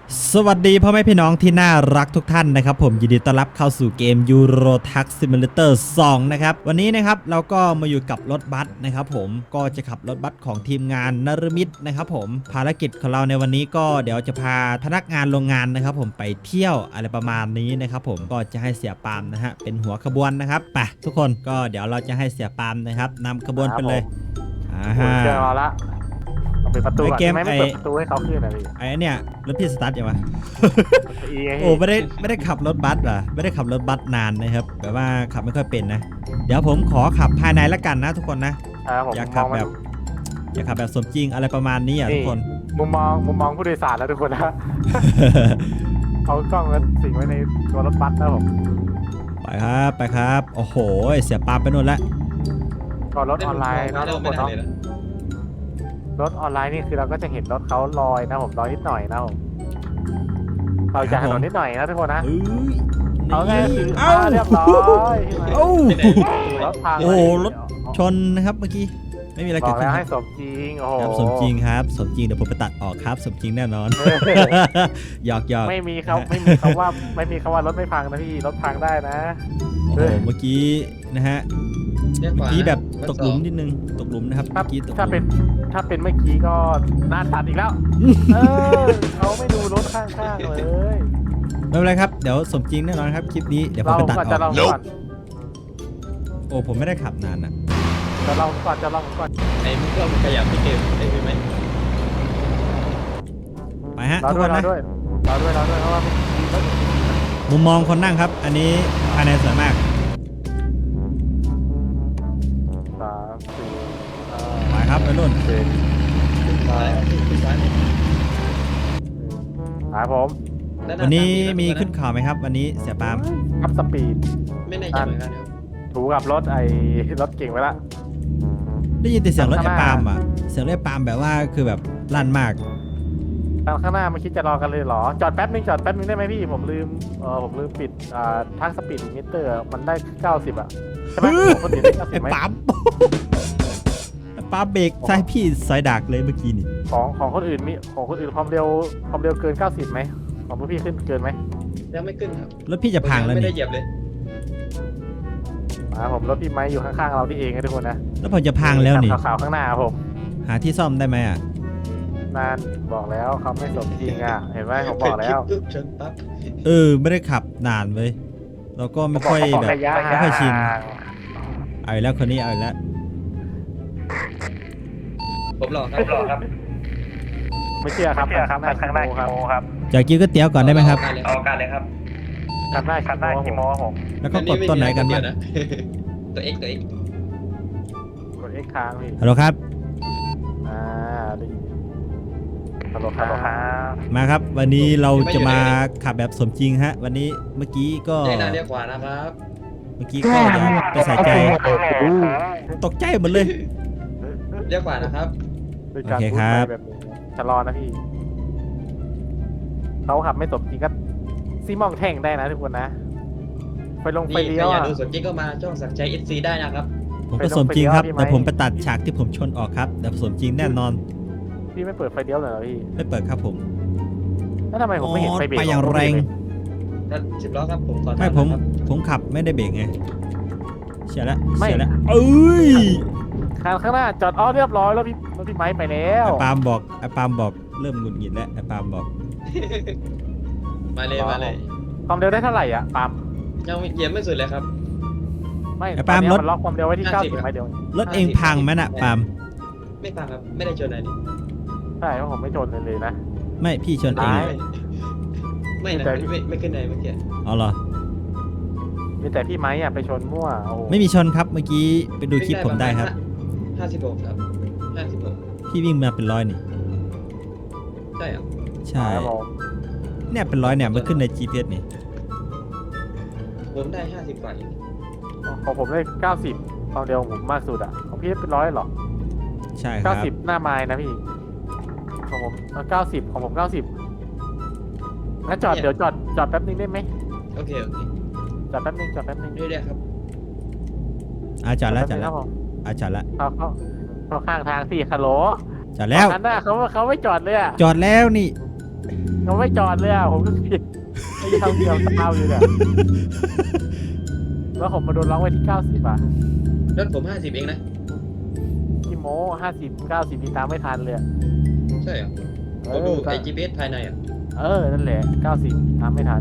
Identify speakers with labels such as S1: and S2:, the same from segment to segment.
S1: สวัสดีพ่อแม่พี่น้องที่น่ารักทุกท่านนะครับผมยินดีต้อนรับเข้าสู่เกม Euro Truck Simulator 2 นะครับวันนี้นะครับเราก็มาอยู่กับรถบัสนะครับผมก็จะขับรถบัสของทีมงานนฤมิตนะครับผมภารกิจของเราในวันนี้ก็เดี๋ยวจะพาพนักงานโรงงานนะครับผมไปเที่ยวอะไรประมาณนี้นะครับผมก็จะให้เสียปาล์มนะฮะเป็นหัวขบวนนะครับไปทุกคนก็เดี๋ยวเราจะให้เสียปาล์มนะครับนำขบวนไปเลย
S2: เจอเราละเราปิดประตูก่อนไม่เปิดประตูให้เขาขึ้นนะพี่
S1: ไอ้เนี่ยรถพี่สตาร์ทยังวะ โอ้ไม่ได้ขับรถบัสว่ะไม่ได้ขับรถบัสนานนะครับแบบว่าขับไม่ค่อยเป็นนะเดี๋ยวผมขอขับภายในละกันนะทุกคนนะอยากขับแบบสมจริงอะไรประมาณนี้อ่ะทุกคน
S2: มุมมองผู้โดยสารแล้วทุกคนนะ เอากล้องแล้วสิงไว้ในตัวรถบัสนะผม
S1: ไปครับโอ้โหเสียปาไปนู่นแล้ว
S2: ก็รถออนไลน์นะทุกคนเนาะรถออนไลน์นี่คือเราก็จะเห็นรถเขาลอยนะผมลอยนิดหน่อยนะผมเราจะถนนนิดหน่อยนะทุกคนนะเอาไงคือเรียบร้อย
S1: โอ้โหรถชนนะครับเมื่อกี้ไม่มีอะไรเกิดขึ้น
S2: ให้สมจริงโอ้โห
S1: สมจริงครับสมจริงเดี๋ยวผมไปตัดออกครับสมจริงแน่นอนหยอก
S2: ไม่มีคำว่ารถไม่พังนะพี่รถพังได้นะ
S1: โอ้โหเมื่อกี้นะฮะเมื่อกี้แบบตกหลุมนิดนึงตกหลุมนะครับเมื่อกี้
S2: ถ้าเป็นเมื่อกี้ก็น่าตัดอีกแล้วเขาไม่ดูรถข้างๆเลย
S1: ไม่เป็นไรครับเดี๋ยวสมจริงแน่นอนครับคลิปนี้เดี๋ยวผมไปตัดออกโอ้ผมไม่ได้ขับนานอ่ะ
S2: จะลองก่อน
S3: ไอ้มึงก็มันขยับที่เกมได้ไหม
S1: ไปฮะทุกคนนะ
S2: เราด้วยเพราะว่า
S1: มุมมองคนนั่งครับอันนี้ภายในสวยมากไปครับไปรุ่น
S2: ผม
S1: วันนี้มีขึ้นข่าวไหมครับวันนี้เสียปาล์ม
S2: อัพสปีด
S3: ไม่แน่ใจเหมือนกันครับ
S2: ถูกับรถเก่งไว้ละ
S1: ได้ยินแต่เสียงรถไอ้ปาล์มอ่ะเสียงรถไอ้ปาล์มแบบว่าคือแบบลั่นมาก
S2: ข้างหน้าไม่คิดจะรอกันเลยเหรอจอดแป๊บนึงได้ไหมพี่ผมลืมปิดทั้งสปีดลิมิเตอร์มันได้90อ่ะใช่ไหมคนอื่นได้90ไหม
S1: ไอ้ปาล์มเบรกใช่พี่สายดักเลยเมื่อกี้นี่
S2: ของคนอื่นความเร็วเกิน90ไหมของพี่ขึ้นเกินไหม
S3: ยังไม่ขึ้นครับ
S1: รถพี่จะพังแล้วนี่
S3: ไม่ได้เหยียบเลย
S2: ผมรถพี่ไม้อยู่ข้างๆเราที่เองนะทุกคนนะ
S1: แล้วผมจะพังแล้วนี่
S2: ขาวข้างหน้าผม
S1: หาที่ซ่อมได้ไหมอ่ะ
S2: นานบอกแล้วเขาไม่สมจริงอ่ะเห็นไหมผมบอกแล้ว
S1: ไม่ได้ขับนานเลยเราก็ไม่ค่อยแบบไม่ค่อยชินเอาแล้วคนนี้เอาแล้ว
S3: ผมรอครับ
S2: ไม่เชื่อครับข้างหน้าครับ
S1: จะกินก๋วยเตี๋ยวก่อนได้ไหมครับ
S3: เอาการเลยครับ
S2: ขันได้กี่โมผม
S1: แล้วก็กดต้นไหนกันบ้าง
S3: ตัว X
S2: กด X ค้างพี่
S1: ฮัลโหลครับ
S2: ฮัลโหลครับ
S1: มาครับวันนี้เราจะมาขับแบบสมจริงฮะวันนี้เมื่อกี้ก็
S3: ได้นาเรียกว่านะครับ
S1: เมื่อกี้ก็อย่าไปใส่ใจตกใจหมดเลย
S3: เรียกว่านะครับ
S1: โอเคครับ
S2: ชะลอนะพี่เขาขับไม่สมจริงก็ซีมองแท่งได้นะทุกคนนะไปลงไปเลี้ยว
S3: อยากดูสมจริงก็มาช่องสักใจ FC ได้นะครับ
S1: ผมก็สมจริงครับแต่ผมไปตัดฉากที่ผมชนออกครับแต่สมจริงแน่นอน
S2: พี่ไม่เปิดไฟเลี้ยวเลยเหรอพี่
S1: ไม่เปิดครับผม
S2: แล้วทำไมผมไม่เห็นไฟเบรก
S1: ไปอย่างแรง
S3: 10 ล้อครับผมขอ
S1: ไม่ผมขับไม่ได้เบรกไงเสียแล้วเอ้ย
S2: ข้างหน้าจอดเรียบร้อยแล้วพี่ไม้ไปแล้ว
S1: ไอ้ปาล์มบอกเริ่มหงุดหงิดแล้วไอ้ปาล์มบอก
S3: มาเลย
S2: ความเร็วได้เท่าไหร่อ่ะปาล์ม
S3: ยังเหยียบไม่สุดเลยครับ
S2: ไม่ปาล์มล็อกความเร็วไว้ที่90ไหมเดี๋ยว
S1: รถเองพังไหมน่ะปาล์ม
S3: ไม่พังครับไม่ได้ชนอะไรนี่
S2: ใช่เพราะผมไม่ชนเลยนะ
S1: ไม่พี่ชนเอง
S3: ไม่นะไม่ขึ้นไหนเมื่อกี้
S1: อ๋อเหรอ
S2: มีแต่พี่ไม้อ่ะไปชนมั่ว
S1: ไม่มีชนครับเมื่อกี้ไปดูคลิปผมได้ครับ
S3: 56ครับ56
S1: พี่วิ่งมาเป็น100นี่
S3: ใช่เหรอ
S1: ใช่เนี่ยเป็น100เนี่ยมันขึ้นใน GPS นี่
S3: ผมได้50กว่า
S2: ของผมได้90ความเร็วผมมากสุดอ่ะของพี่เป็น100หรอ
S1: ใช่ครับ
S2: 90หน้าไม้นะพี่ของผม90ของผม90งั้นเดี๋ยวจอดแป๊บนึงได้ไหม
S3: โอเค
S2: จอดแป๊บนึง
S3: เรื่อยๆครับ
S1: จอดแล้วจอดแล้ว
S2: เขาข้างทาง4 คาโล
S1: จอดแล้ว
S2: นั้นน่ะเขาไม่จอดเลยอ่ะ
S1: จอดแล้วนี่
S2: มันไม่จอดเลยอ่ะผมก็ผิดไอ้ยาวเดียวตามอยู่เนี่ยแล้วผมมาโดนล็อกไว้ที่90อ่ะ
S3: รถผม50เองนะ
S2: พี่โม50 90นี่ตามไม่ทันเลยอะ
S3: ใช่เหรอผมดูไอ GPS ภายในอ่ะ
S2: นั่นแหละ90ตามไม่ทัน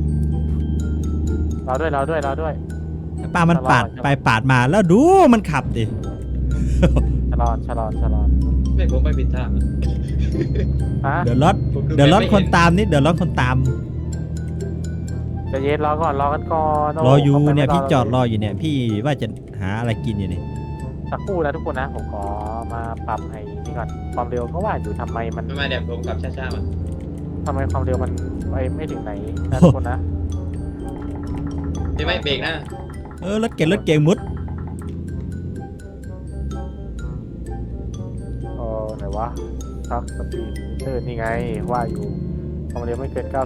S2: เราด้วย
S1: ป้ามันปาดไปปาดมาแล้วดูมันขับดิ
S2: ชะลอ
S3: ไม่ผมไปผิดทางอะ
S2: ฮะ
S1: เดี๋ยวรถ
S3: ผม
S1: เดี๋ยวรถ
S3: ไม่
S1: คน
S3: เห็
S1: ตามนิดเดี๋ยวรถคนตาม
S2: ใจะเย็นรอกันก่อน
S1: รออยู่
S2: ขาไป
S1: เนี่ย
S2: ไม่
S1: พี่จอดร
S2: เล
S1: ออยู่เนี่ยพี่ว่าจะหาอะไรกินอยู่นี่
S2: สักครู่นะทุกคนนะผมขอมาปรับให้นี่ก่อนความเร็วก็ว่าอยู่ทำไมมัน
S3: ไม่มาเดี๋ยวผมขับช้าๆมา
S2: ทำไมความเร็วมันไปไม่ถึงไหนนะทุกคนนะ
S3: ไม่เบรกนะ
S1: รถเก่งมุด
S2: ไหนวะทักสปีดมิเตอร์นี่ไงว่าอยู่ความเร็วไม่เกิน90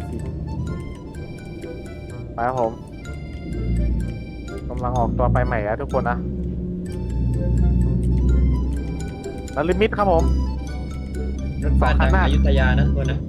S2: ไปครับผมกำลังออกตัวไปใหม่แล้วทุกคนนะแล้วลิมิตครับผม
S3: รถบ้าน
S2: คั
S3: ดั
S2: น
S3: ง
S2: หน้า
S3: อยุธยานะทุกคนนะ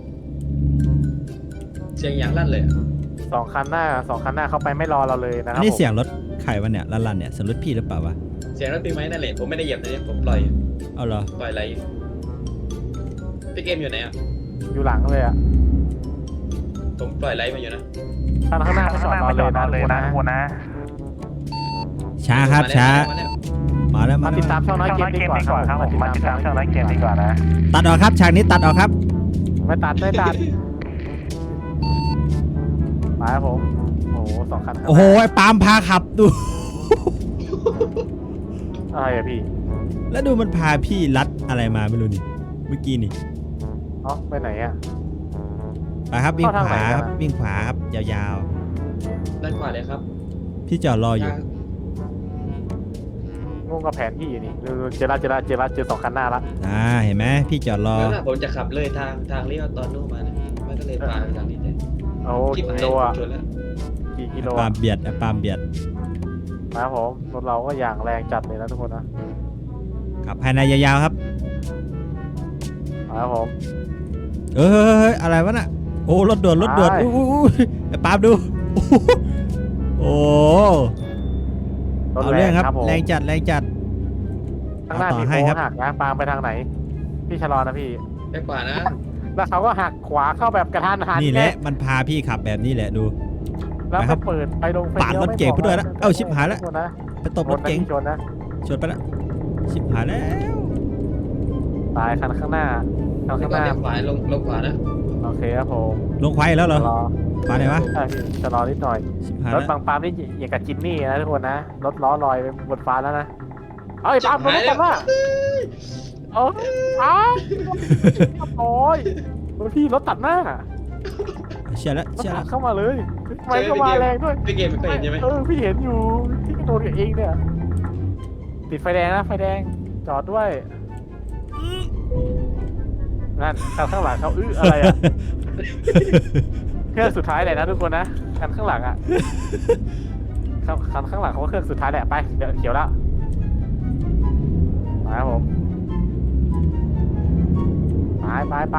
S3: เสียงอย่างลั่นเลยอะ
S2: สองคันหน้าเข้าไปไม่รอเราเลยนะค
S1: อั
S2: รั
S1: น
S2: บ
S1: นี้
S2: ผม
S1: เสียงรถใครวะเนี่ยลั่นๆเนี่ยเสียงรถพี่หรือเปล่าวะ
S3: เสียงรถปีไหมนั่นแหละผมไม่ได้เหยียบนะผมปล่อย
S1: เอาเหรอ
S3: ปล่อยไหลพี่เกมอยู่ไหนอ่ะ
S2: อยู่หลังเลยอ่ะ
S3: ผมปล่อยไหลมาอยู่นะ
S2: คันข้างหน้าไม่จอดรอเลยนะทุกคนนะ
S1: ช้าครับช้า มาแล้ว
S2: มาติดตามช่องน้อยเกมดีกว่าครับผมมาติดตามช่องน้อยเกมดีกว่านะ
S1: ตัดออกครับฉากนี้ตัดออกครับ
S2: ไม่ตัดไปครับผมโอ้โหสองคันข้างหน้า
S1: โอ้โหไอ้ปาล์มพาขับดู
S2: อะไรอะพี่
S1: แล้วดูมันพาพี่ลัดอะไรมาไม่รู้นี่เมื่อกี้นี่
S2: ไปไหนอ่ะ
S1: ไปครับวิ่ง
S2: เข้าทาง
S1: ขวา
S2: ไหนกัน
S1: ครับ
S2: อะ
S1: วิ่งขวาครับยาว
S3: ด้านขวาเลยครับ
S1: ๆพี่จอดรออยู่
S3: ทาง
S2: งงกับแผนที่อยู่นี่เจอสองคันหน้าละ
S1: เห็นไหมพี่จอดรอ
S3: แล้วนะผมจะขับเลยทางเลี้ยวตอนนู้นมานะมันก็เลยผ่านทางนี้เลย
S2: โอ้
S3: คิด
S2: กิ
S3: หาย
S2: โล
S3: ผม
S2: อ่ะ
S3: ชนแล้ว
S2: กี่กิโล
S1: ปา
S2: อะ
S1: ล์มเบียดปาล์มเบียด
S2: ครับผมรถเราก็อย่างแรงจัดเลยนะทุกคนนะ
S1: ขับภายในยาวๆครับ
S2: ครับผม
S1: เฮ้ยอะไรวะน่ะโอ้รถด่วน
S2: ไป
S1: อู้ไอ้ปาล์มดู โอ้
S2: รถ
S1: เอา
S2: แร
S1: เรื่อง งครับ
S2: ครับผม
S1: แรงจัด
S2: ข้างหน้า
S1: เอาต่อ
S2: มี
S1: ให้
S2: โค้
S1: ครับ
S2: งหักนะปาล์มไปทางไหน พี่ชะลอนะพี่
S3: ไปขวานะ
S2: แล้วเขาก็หักขวาเข้าแบบกระทันหัน
S1: นี่แหละมันพาพี่ขับแบบนี้แหละดู
S2: แล้ว
S1: ไปครั
S2: ก็
S1: บ
S2: เปิดไฟลงไฟ
S1: ปาด
S2: ลี้ยว
S1: รถเก๋ง
S2: ไม่
S1: ไปด้วยนะ
S2: บก
S1: เอ้าชิบหายแล้ว
S2: ทุกคนนะ
S1: ไปตบรถเก๋ง
S2: ชนนะ
S1: ชนไปละชิบหายแล้ว
S2: ตายคันข้างหน้าคัน
S3: แล้ว
S2: ข้าง
S3: ก็
S2: หน้า
S3: เลี้ยวขวาลงขวานะ
S2: โอเคครับผม
S1: ลงควายแล้วเหรอ
S2: ชะลอ
S1: มาไหนวะ
S2: ใช่พี่ชะลอนิดหน่อย
S1: ชิบหาย
S2: ร
S1: แล้
S2: ถ
S1: ว
S2: บางปาล์มนี่อย่างกับจินนี่นะทุกคนนะรถล้อลอยไปบนฟ้าแล้วนะเอ้ยปาล์มรถกันว่าเออปาล์มโอ้ยพี่รถตัดหน้า
S1: เชื่อแล้ว
S2: รถ
S1: เชื่อ
S2: ตั
S1: แล้
S2: ด
S1: ว
S2: เข้ามาเลยไม่ก็มาแรงด้วย
S3: พี่เกมไม่เคยเห็นใช่ไหม
S2: พี่เห็นอยู่พี่ก็โดนกับเองเนี่ยติดไฟแดงนะไฟแดงจอดด้วยนั่นข้างหลังเขาอะไรอ่ะเครื่องสุดท้ายเลยนะทุกคนนะคันข้างหลังอ่ะคันข้างหลังเขาก็เครื่องสุดท้ายแหละไปเดี๋ยวเขียวแล้วไปครับผมไป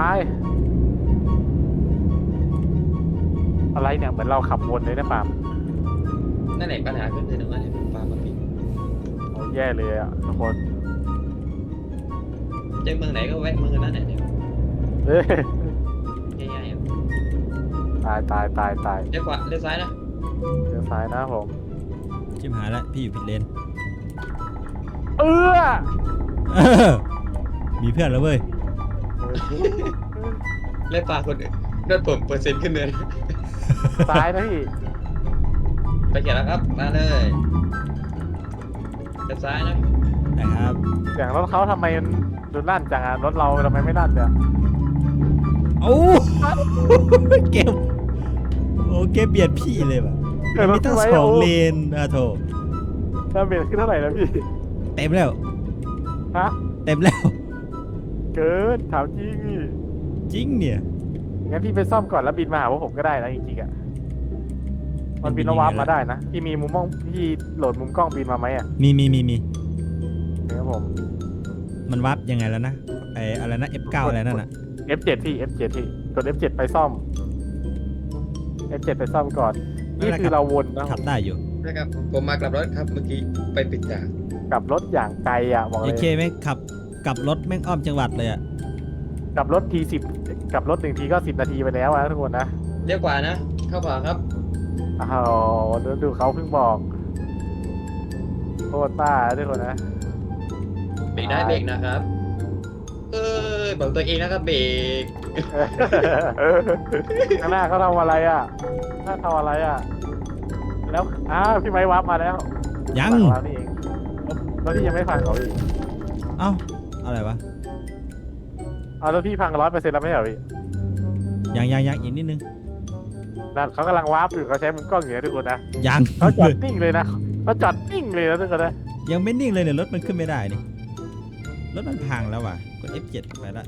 S2: อะไรเนี่ยเหมือนเราขับวนเลยนะปาล์ม
S3: นั่นแหละปัญหาขึ้นเลยตรงนั้นเนี่ยปามาผิด
S2: โอ้แย่เลยอ่ะทุกคน
S3: เจอเมืองไหนก็แวะเมืองนั้นแหละเนี่ย
S2: เอ้ย
S3: ง่ายๆอ่ะ
S2: ตาย
S3: เลี้ยวขวาเลี้ยวซ้ายนะ
S2: เดี๋ยวซ้ายนะผม
S1: ชิบหายแล้วพี่อยู่ผิดเลน
S2: เออ
S1: เออมีเพื่อนแล้วเว้ย
S3: เลี้ยวขวาคนอื่นรถผมเปอร์เซ็นต์ขึ้นเลย
S2: ซ้ายนะพี่
S3: ไปเขียนแล้วครับมาเลยเลี้ยวซ้ายนะ
S1: นะครับ
S2: เสียงรถเขาทำไมมันดูลั่นจังอะรถเราทำไมไม่ลั่นเนี่ย
S1: โอ้เกมโอ้เกมเบียดพี่เลยว่ะมีตั้งสองเลนอะโถ
S2: ดาเมจขึ้นเท่าไหร่แล้วพี่
S1: เต็มแล้ว
S2: ฮะ
S1: เต็มแล้ว
S2: เกินถามจริงพี่
S1: จริงเนี่ย
S2: งั้นพี่ไปซ่อมก่อนแล้วบินมาหาพวกผมก็ได้นะจริงๆอะมันบินแล้ววาร์ปมาได้นะพี่มีมุมมองพี่โหลดมุมกล้องบินมาไหมอะ
S1: มี
S2: ครับผม
S1: มันวับยังไงแล้วนะไออะไรนะ F9 อะไรนั่นน่ะ
S2: F7 พี่ F7 พี่กด F7 ไปซ่อม F7 ไปซ่อมก่อน นี่คือเราวนนะ
S1: ขับได้อยู่
S3: นะครับผมมากลับรถครับเมื่อกี้ไปปิดตาก
S2: ลับรถอย่างไกลอ่ะบอกเล
S1: โอย เคไหมขับกลับรถแม่งอ้อมจังหวัดเลยอ่ะ
S2: กลับรถที10กลับรถ1ทีก็10 นาทีไปแล้วนะทุกคนนะ
S3: เรียกกว่านะเข้าขวาครับ
S2: อ้าวดูเขาเพิ่งบอกโคตรต้าทุกคนนะ
S3: เบรกได้เบรกนะครับบอกตัวเองนะครับเบรก
S2: ข้างหน้าเขาทำอะไรอ่ะหน้าทำอะไรอ่ะ แล้วพี่ไม้วับมาแล้ว
S1: ยัง
S2: ฝั่เรานี่เองแล้วพี่ยังไม่ฟังเขาอีก
S1: เอ้าอะไรวะ
S2: เอาแล้วพี่พัง100%แล้วไม่เหรอพี่
S1: ยังอีกนิดนึง
S2: นั่นเขากำลังวาร์ปอยู่เขาใช้มือกล้องอยู่นะทุกคนนะ
S1: ยัง
S2: เขาจอดนิ่งเลยนะเขาจอดนิ่งเลยนะทุกคนนะ
S1: ยังไม่นิ่งเลยเนี่ยรถมันขึ้นไม่ได้นี่รถมันพังแล้วว่ะกด F7 ไปละ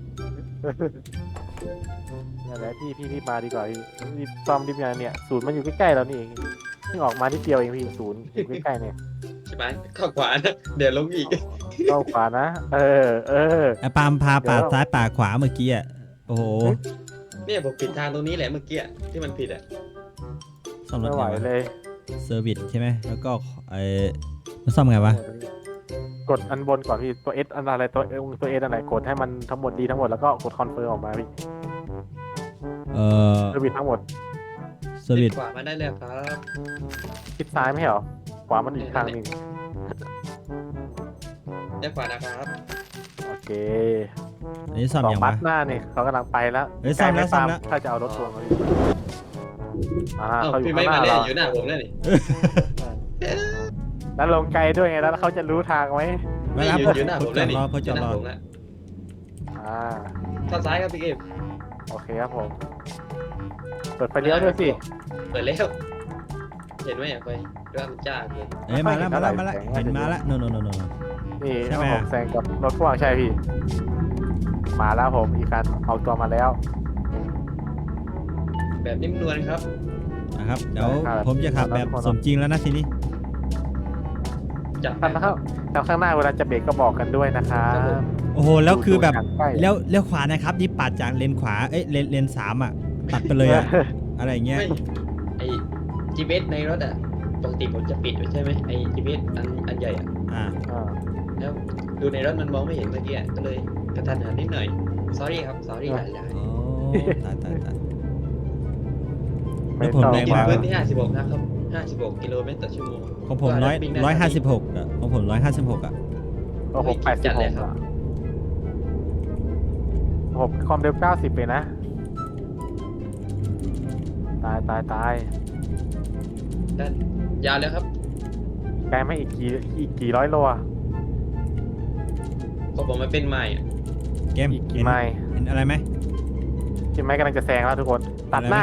S2: นั่นแหละพี่มาดีกว่าพี่รีบซ่อมรีบงานเนี่ยศูนย์มันอยู่ใกล้ๆเรานี่เองเพิ่งออกมาที่เดียวเองพี่ศูนย์อยู่ใกล้ๆเนี่ย
S3: ใช่ไหมเข้าขวานะเดี๋ยวลงอีก
S2: เข้าขวานะ
S1: ไอ้ปาล์มพาป่าซ้ายป่าขวาเมื่อกี้อ่ะโอ้โห
S3: เนี่ยผมผิดทางตรงนี้แหละเมื่อกี้ที่มันผิดอ่ะ
S1: ซ่อมรถ
S2: ไม่ไหว
S1: ไงวะ
S2: เลย
S1: เซอร์วิสใช่ไหมแล้วก็มันซ่อมไงวะ
S2: กดอันบนก่อนพี่ตัว S อันอะไรตัว S อันไหนกดให้มันทั้งหมดดีทั้งหมดแล้วก็กดคอนเฟิร์มออกมาพี่
S1: เออ
S2: เซอร์วิสทั้งหมด
S1: เซอร์วิส
S3: ขวามาได้เลยครับ
S2: ชิดซ้ายไม่ใช่เหรอขวามันอีกทางหนึ่ง
S3: เรียกขวานะครับ
S2: โอเค
S1: อันนี้ซ่อม
S2: สอง
S1: ยัง
S2: บั
S1: วะ
S2: สหน้านี่เขากำลังไปแล้ว
S1: เฮ้ยซ่อมแล้ว
S2: ใก
S1: ซ่อม
S2: ไ
S1: แล้ว
S2: ถ้าจะเอารถทวงเขาอยู่เขาอยู่
S3: พี่
S2: ข้า
S3: ไม่
S2: งห
S3: มา
S2: น้า
S3: เล่น
S2: เรา
S3: อยู่หน้าผมแล้วนี่
S2: แล้วลงไกลด้วยไงแล้วเขาจะรู้ทางไหม
S1: ไม่รับ
S3: อยู่หน้า
S1: เขา
S3: ผม
S1: จ
S3: แล้
S1: อ
S3: ว
S1: ด
S3: นี่
S1: รอเขาจอดรอ
S3: ผมแล้ว
S2: อ่า
S3: เข้าซ้ายครับพี่เกม
S2: โอเคครับผมเปิดไฟเลี้ยวด้วยสิ
S3: เปิดแล้วเห็นไหมอ่ะไฟด้วยมันจ้าเกิน
S1: เอ้ยมาแล้วเห็นมาแล้วโน
S2: นี่
S1: ใช่ไหม
S2: ผมแซงกับรถพ่วงใช่พี่ มาแล้วผมอีกคันเอาตัวมาแล้ว
S3: แบบนิ่มนวลครับ
S1: นะครับเดี๋ยว
S2: ครับ
S1: ผมจะขับแบบสมจริงแล้วนะทีนี้
S3: จับ
S2: คันนะครับแล้วข้างหน้าเวลาจะเบรกก็บอกกันด้วยนะครับ
S1: โอ้โหแล้วคือแบบ
S2: ดูใกล้
S1: เลี้ยวขวานะครับนี่ปาดจากเลนขวาเอ้ยเลนสามอ่ะตัดไปเลยอ่ะอะไรอย่างเงี้ย
S3: ไม่ไอ GPS ในรถอ่ะปกติผมจะปิดไว้ใช่ไหมไอ GPS อันใหญ่อ่ะ
S1: อ่า
S3: แล้วดูในรถมันมองไม่เห็นเมื่อกี้ก็เลยกระทันหันนิดหน่อย sorry ครับ sorry หลาย
S1: โอ้ตาย
S2: ไม่
S1: แล้วผม
S2: ต้อง
S1: แร
S3: ๆ
S1: ง
S3: กิน
S1: มา
S3: พื้นที่56นะครับ56 กิโลเมตรต่อชั่วโมง
S1: ของผม156อ่ะของผม156อ่ะ
S2: โอ้โห
S3: จัดเลย
S2: 86
S3: ครับ
S2: อ่ะผมความเร็ว90เลยนะ ตาย
S3: ด้านยาวแล้วครับ
S2: ไกลไม่อีกกี่ร้อยโลอ่ะ
S3: พอผมมาเป็นใหม่อ่ะ
S1: เกม
S2: อีกกี่ไมล์
S1: เห็นอะไรไหม
S2: กี่ไมล์กำลังจะแซงแล้วทุกคน ตัดหน้า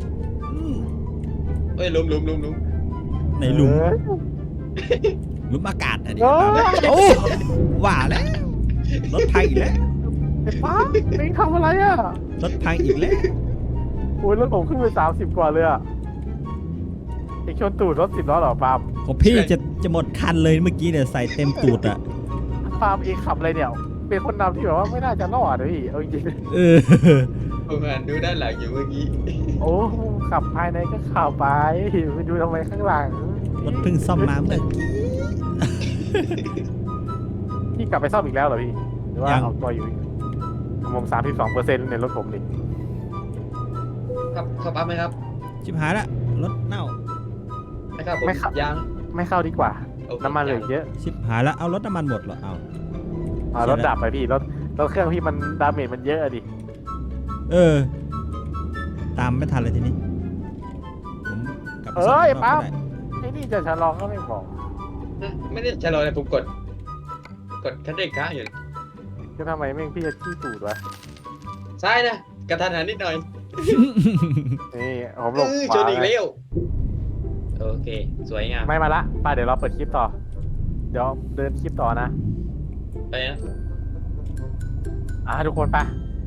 S3: เอ้ยลุม
S1: ในหลุม
S2: เออ
S1: หลุมอากาศอันนี้
S2: โอ้
S1: โอ้ว่าแล้วรถพังอีกแล้ว
S2: ไอ้ป้าเอ็งทำอะไรอ่ะ
S1: รถพังอีกแล้ว
S2: โอ้ยรถผมขึ้นไป30 กว่าเลยอ่ะเอ็งชนตูดรถ10 ล้อเหรอปาล์ม
S1: ของพี่จะหมดคันเลยเมื่อกี้เนี่ยใส่เต็มตูดอ่ะ
S2: ปาล์มเอ็งขับอะไรเนี่ย เป็นคนนำที่แบบว่าไม่น่าจะรอดเลยเอาจริง
S1: เออ
S3: ผมอ่านดูด้านหลังอยู่เมื่อกี้
S2: ๆโอ้ขับภายในก็ขับไปไปดูทำไมข้างหลัง
S1: รถเพิ่งซ่อมมาเมื่อกี้
S2: พี่กลับไปซ่อมอีกแล้วเหรอพี่หรือว่า
S1: ยัง
S2: เอาตัวอยู่ผม32%ในรถผมนี่
S3: ครับเข้าปั๊บไหมครับ
S1: ชิบหายละรถเน่า
S3: นะครับผม
S2: ไม่ขับ
S3: ยาง
S2: ไม่เข้าดีกว่า
S3: โอค
S2: น้ำมันเหลือเยอะ
S1: ชิบหายละเอารถน้ำมันหมดเหรอเอา
S2: รถดับไปพี่รถเครื่องพี่มันดาเมจมันเยอะอะดิ
S1: เออ ตามไม่ทันเลยทีนี้ผมกลับไป
S2: เอ้ย
S1: ซ่อม
S2: ปั๊บ
S1: รอบก็ได้
S2: ไอ้นี่จะชะลอก็ไม่บอก
S3: ไม่ได้ชะลอเลยผมกดคันเร่งค้างอยู่
S2: ก็ทำไมแม่งพี่จะขี้ตูดวะ
S3: ซ้ายนะกระทันหันนิดหน่อย
S2: นี่ผมหลบข
S3: ช
S2: วาน
S3: อีกแล้วโอเค สวยงาม
S2: ไม่มาละป้าเดี๋ยวเราเปิดคลิปต่อ เดี๋ยวเดินคลิปต่อนะ
S3: ไปนะ
S2: ทุกคนไป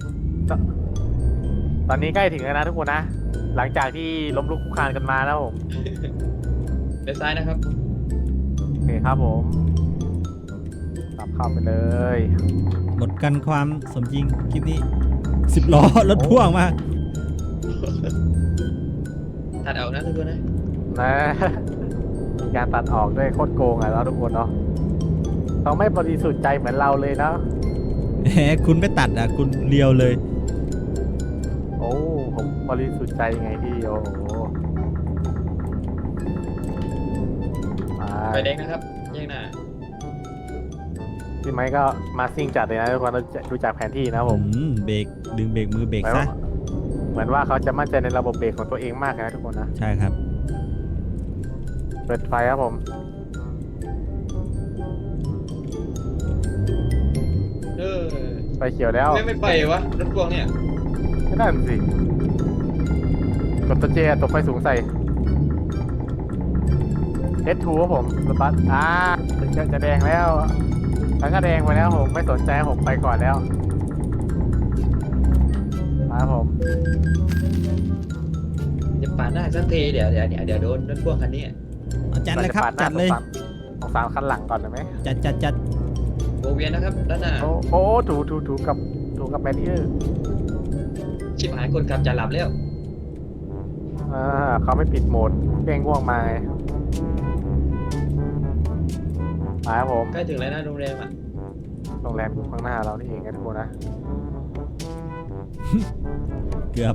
S2: ตอนนี้ใกล้ถึงแล้วนะทุกคนนะ หลังจากที่ล้มลุกคลุกคลานกันมานะผม
S3: ไปซ้ายนะครับ
S2: โอเคครับผมขับเข้าไปเลย
S1: หมดกันความสมจริงคลิปนี้ 10 ล้อรถพ่วงมา
S3: ตัดเอานะทุกคนนะ
S2: นะ มีการตัดออกด้วยโคตรโกงอ่ะแล้วทุกคนเนาะเขาไม่บริสุทธิ์ใจเหมือนเราเลยนะ
S1: แหมคุณไม่ตัดอ่ะคุณเลียวเลย
S2: โอ้ผมบริสุทธิ์ใจไงพี่โอ้โห
S3: ไฟแดงนะครับแยกหน้า
S2: พี่ไม้ก็มาซิ่งจัดเลยนะทุกคนดูจากแผนที่นะผม
S1: เบรกดึงเบรกมือเบรกซะ
S2: เหมือนว่าเขาจะมั่นใจในระบบเบรกของตัวเองมากนะทุกคนนะ
S1: ใช่ครับ
S2: เปิดไฟครับผม ไฟเขียวแล้ว
S3: ไม่ไปวะรถพ่วงเนี่ย
S2: ไม่นั่นสิกดตัวเจตัวไฟสูงใส่ S2 ครับผมรถบัสจะแดงแล้วแล้วก็แดงไปแล้วผมไม่สนใจผมไปก่อนแล้วมาครับผม
S3: จะปาดหน้าสักทีเดี๋ยวโดนรถพ่วงคันนี้
S1: เอาจัดเลยครับ
S2: าหน้า
S1: จัดเลย
S2: ของสามคันหลังก่อนได้ไหม
S1: จัด
S3: โบเวียนนะครับด้านหน้า
S2: โอ้ถูกับแบรีเออร์
S3: ชิบหายคนขับจะหลับแล้ว
S2: เขาไม่ปิดโหมดเป้งง่วงมาไงมาครับผม
S3: ใกล้ถึงแล้วนะโรงแรมอ่ะ
S2: โรงแรมอยู่ข้างหน้าเรานี่เองนะทุกคนนะ
S1: เกือบ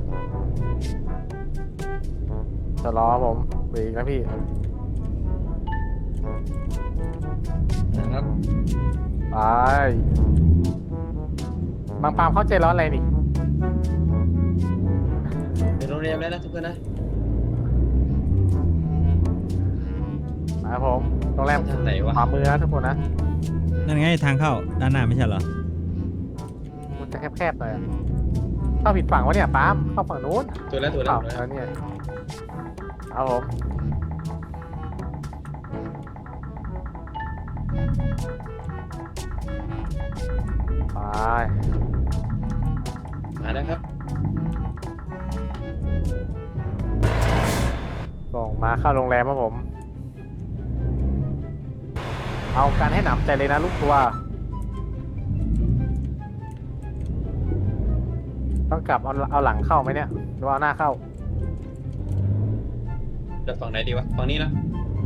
S2: จะรอครับผมเบรกนะพี่
S3: นะครับ
S2: ไปบางปามเข้าใจร้อนอะไรนี่
S3: ถึงโรงแรมแล้วนะทุกคนนะ
S2: มาครับผมโรงแรม
S3: ทางไหนวะ
S2: ขวามือนะทุกคนนะ
S1: นั่นไงทางเข้าด้านหน้าไม่ใช่เหรอ
S2: มันจะแคบๆหน่อยอะเข้าผิดฝั่งวะเนี่ยปามเข้าฝั่งนู้น
S3: ถูกแล้ว
S2: เอาแล้วเนี่ยเอาผมไป
S3: มาแล้วครับ
S2: ส่งมาเข้าโรงแรมครับผม เอาการให้หนำใจเลยนะลูกตัว ต้องกลับเอาหลังเข้าไหมเนี่ยหรือว่าเอาหน้าเข้า
S3: จะฝั่งไหนดีวะฝั่งนี้นะ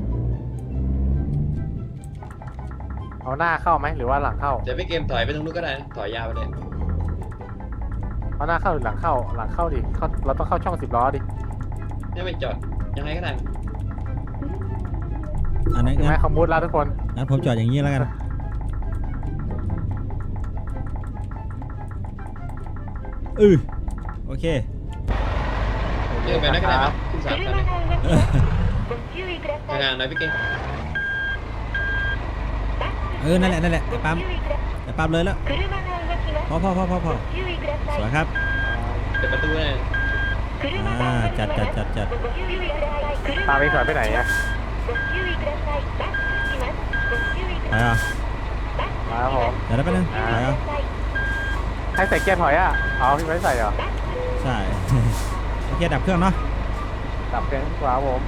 S2: เอาหน้าเข้าไหมหรือว่าหลังเข้า
S3: เดี๋ยวพี่เกมถอยไปตรงนู้นก็ได้นะถอยยาวไปเลย
S2: เอาหน้าเข้าหรือหลังเข้าหลังเข้าดิเราต้องเข้าช่อง10 ล้อดิ
S3: ไม่จอดยังไงก็ได้
S1: อันนั้น
S2: เห็นไหมเขามุดแล้วทุกคน
S1: งั้นผมจอดอย่างนี้แล้วกันโอเค
S3: เดินไปนั่นก็ได้ครับขึ้น3 คันเลย
S1: เออ
S3: ทางานหน่อยพี่เกม
S1: นั่นแหละไอ้ปั๊มเลยแล้วพอสวยครับ
S3: เปิดประตูเลย
S1: จัด
S2: ตามไปถอยไปไหนอะ
S1: ไปอ่ะ
S2: มาครับผม
S1: เดี๋ยวได้ไปบนึงไปอ่ะ
S2: ให้ใส่เกียร์ถอยอะเอาพี่ไม่ใส่เหรอ
S1: ใช่ โอเคดับเครื่องเนาะ
S2: ดับเครื่องขวาผม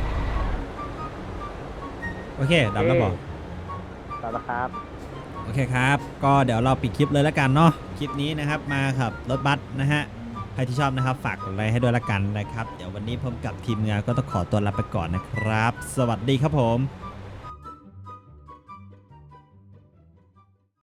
S1: โอเคดับแล้วบอก
S2: ดับแล้วครับ
S1: โอเคครับ ก็เดี๋ยวเราปิดคลิปเลยแล้วกันเนาะ คลิปนี้นะครับมาขับรถบัสนะฮะ ใครที่ชอบนะครับฝากกดไลค์ให้ด้วยละกันนะครับ เดี๋ยววันนี้ผมกับทีมงานก็ต้องขอตัวลาไปก่อนนะครับ สวัสดีครับผม